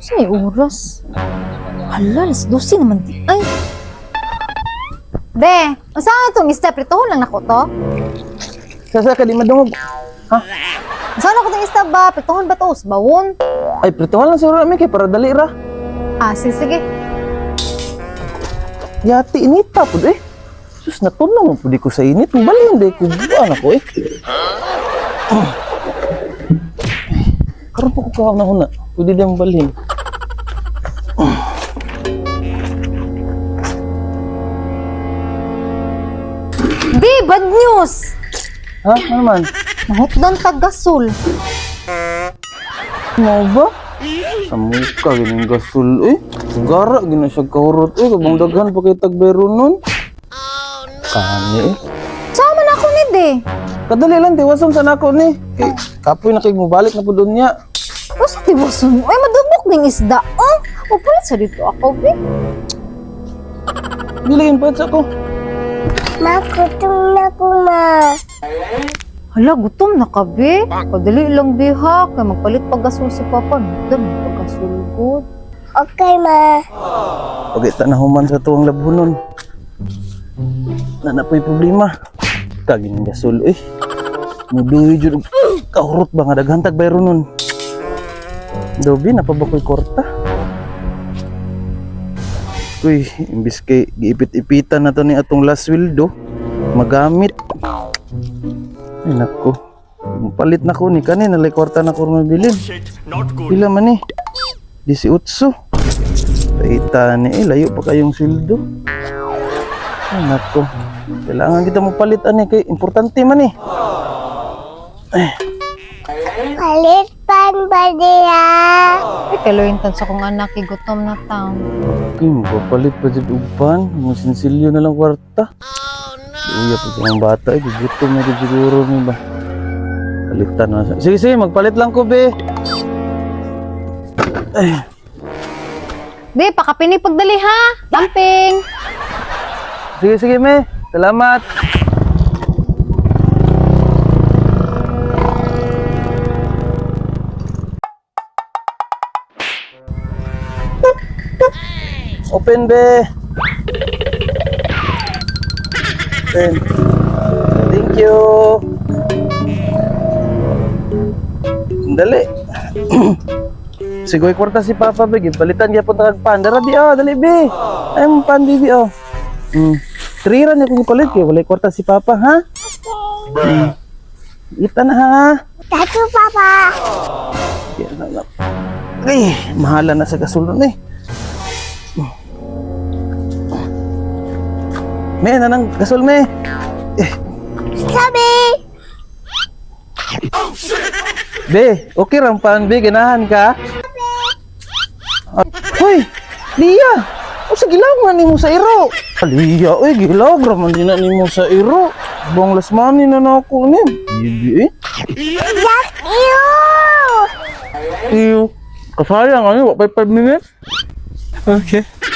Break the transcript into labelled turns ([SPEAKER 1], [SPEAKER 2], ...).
[SPEAKER 1] Sa'y oras. Hala, alas 12 naman di. Ay! Be, saan itong step? Ritohon lang nako to?
[SPEAKER 2] Sasa ka di madungog. Ha?
[SPEAKER 1] Saan ako itong step ba? Pritohon ba to? Bawon?
[SPEAKER 2] Ay, prituhan lang siguro namin kay para dali ra.
[SPEAKER 1] Ah, sige.
[SPEAKER 2] Yati inita po eh. Sus, natunaw mo po di ko sa init. Balin di ko buwan ako eh. Karoon po ko kahang na huna. Pwede di ang balin.
[SPEAKER 1] Be, bad news!
[SPEAKER 2] Ha? Ano naman?
[SPEAKER 1] Mahutdan tag-gasol.
[SPEAKER 2] Mau ba? Sa muka, ganyan gasol eh. Gara, gina siya kahurot eh. Kabang daghan pa kay tagbero nun. Kani eh.
[SPEAKER 1] Sama na ako ni De.
[SPEAKER 2] Kadali lang, diwasam sa nako ni. Kay, kapoy na kayo mabalik na po doon niya.
[SPEAKER 1] O sa tiwason mo? Ay, madubok ng isda. Oh, upulit sa dito ako, Be.
[SPEAKER 2] Bilhin pa sa ko.
[SPEAKER 3] Ma, gutom na ko, ma.
[SPEAKER 1] Hala, gutom na ka, Be. Kadali lang, Be, ha. Kaya magpalit pag-gasol si Papa. Nagdan, pag-gasulgod.
[SPEAKER 3] Okay, ma.
[SPEAKER 2] Pagkita na human sa tuwang labunon. Na po'y problema. Kagin ng gasol eh. Muduhi dyan. Kahurot ba nga daghantag bayro nun. Dobi, napabakoy korta. Uy, imbis kay giipit-ipitan na to ni atong last sweldo, magamit. Ay nako. Palit na ko ni kanin, nalay kwarta na ko mabilin. Pila man ni? 18. Paita ni layo pa kayong sweldo. Ay nako. Kailangan kita magpalit ani kay importante man ni.
[SPEAKER 3] Palitan ba niya?
[SPEAKER 1] Ay, kaloyin sa kong anak, gutom na taon.
[SPEAKER 2] Okay, magpapalit pa dyan upan. Mga sinsilyo na lang kwarta. Uya pa ng bata eh. Gutom na dyan siguro ni ba. Palitan na. Sige, magpalit lang ko be. Ay.
[SPEAKER 1] Be, pakapini pagdali ha. Lamping.
[SPEAKER 2] Sige, me. Salamat. Open be. Open. Thank you. Dali. Sigoy kwarta si Papa be. Palitan niya po tagpan. Dara bi oh, dali be. Ay mo pan bibi oh. Triran niya kung ipalit kayo. Walay kwarta si Papa ha. Ita na ha.
[SPEAKER 3] Tatu, papa.
[SPEAKER 2] Yan na. Ay, mahala na sa kasulon eh. Me, nanang gasol me.
[SPEAKER 3] Sabi.
[SPEAKER 2] Be, okay ram pan be, ganahan ka? Hoy, Lia. O sa gilaw man nimo sa iro. Lia, oy gilaw raman din na nimo sa iro. Bong lasmani na nako ni. Bibi eh.
[SPEAKER 3] Yak, ew.
[SPEAKER 2] Iyo. Kasayang ano, wa pa 5 minutes. Okay.